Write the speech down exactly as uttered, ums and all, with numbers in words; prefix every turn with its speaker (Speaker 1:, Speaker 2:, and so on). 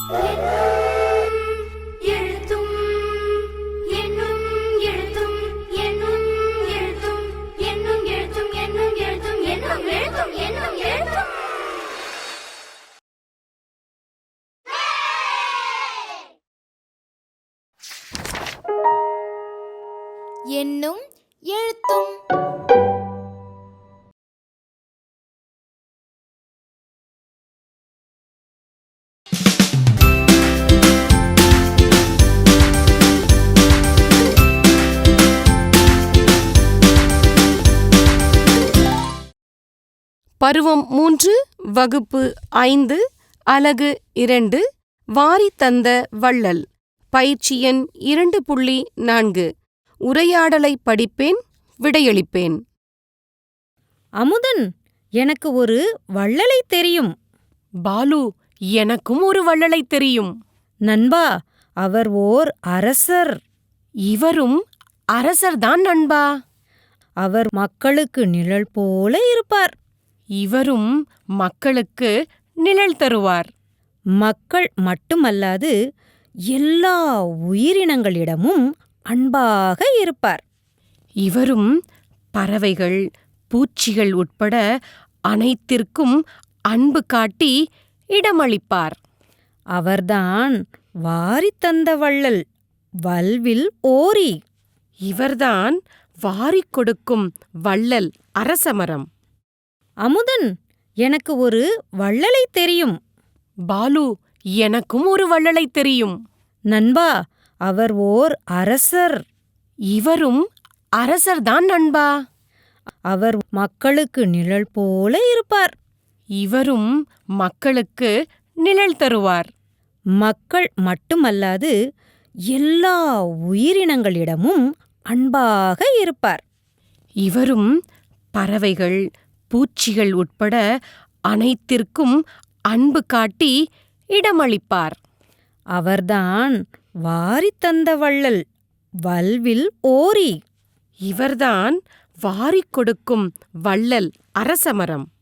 Speaker 1: எழுத்தும் என்னும் எழுத்தும் என்னும் எழுத்தும் என்னும் எழுத்தும் என்னும் எழுத்தும் என்னும் எழுத்தும் என்னும் எழுத்தும்
Speaker 2: என்னும் எழுத்தும்.
Speaker 3: பருவம் மூன்று, வகுப்பு ஐந்து, அலகு இரண்டு, வாரி தந்த வள்ளல். பயிற்சி எண் இரண்டு புள்ளி நான்கு. உரையாடலை படிப்பேன், விடையளிப்பேன்.
Speaker 4: அமுதன், எனக்கு ஒரு வள்ளலை தெரியும்.
Speaker 3: பாலு, எனக்கும் ஒரு வள்ளலை தெரியும்.
Speaker 4: நண்பா, அவர் ஓர் அரசர்.
Speaker 3: இவரும் அரசர்தான் நண்பா.
Speaker 4: அவர் மக்களுக்கு நிழல் போல இருப்பார்.
Speaker 3: இவரும் மக்களுக்கு நிழல் தருவார்.
Speaker 4: மக்கள் மட்டுமல்லாது எல்லா உயிரினங்களிடமும் அன்பாக இருப்பார்.
Speaker 3: இவரும் பறவைகள், பூச்சிகள் உட்பட அனைத்திற்கும் அன்பு காட்டி இடமளிப்பார்.
Speaker 4: அவர்தான் வாரித் தந்த வள்ளல், வல்வில் ஓரி.
Speaker 3: இவர்தான் வாரிக் கொடுக்கும் வள்ளல், அரசமரம்.
Speaker 4: அமுதன், எனக்கு ஒரு வள்ளலை தெரியும்.
Speaker 3: பாலு, எனக்கும் ஒரு வள்ளலை தெரியும்.
Speaker 4: நண்பா, அவர் ஓர் அரசர்.
Speaker 3: இவரும் அரசர்தான் நண்பா.
Speaker 4: அவர் மக்களுக்கு நிழல் போல இருப்பார்.
Speaker 3: இவரும் மக்களுக்கு நிழல் தருவார்.
Speaker 4: மக்கள் மட்டுமல்லாது எல்லா உயிரினங்களிடமும் அன்பாக இருப்பார்.
Speaker 3: இவரும் பறவைகள், பூச்சிகள் உட்பட அனைத்திற்கும் அன்பு காட்டி இடமளிப்பார்.
Speaker 4: அவர்தான் வாரித் தந்த வள்ளல், வல்வில் ஓரி.
Speaker 3: இவர்தான் வாரிக் கொடுக்கும் வள்ளல், அரசமரம்.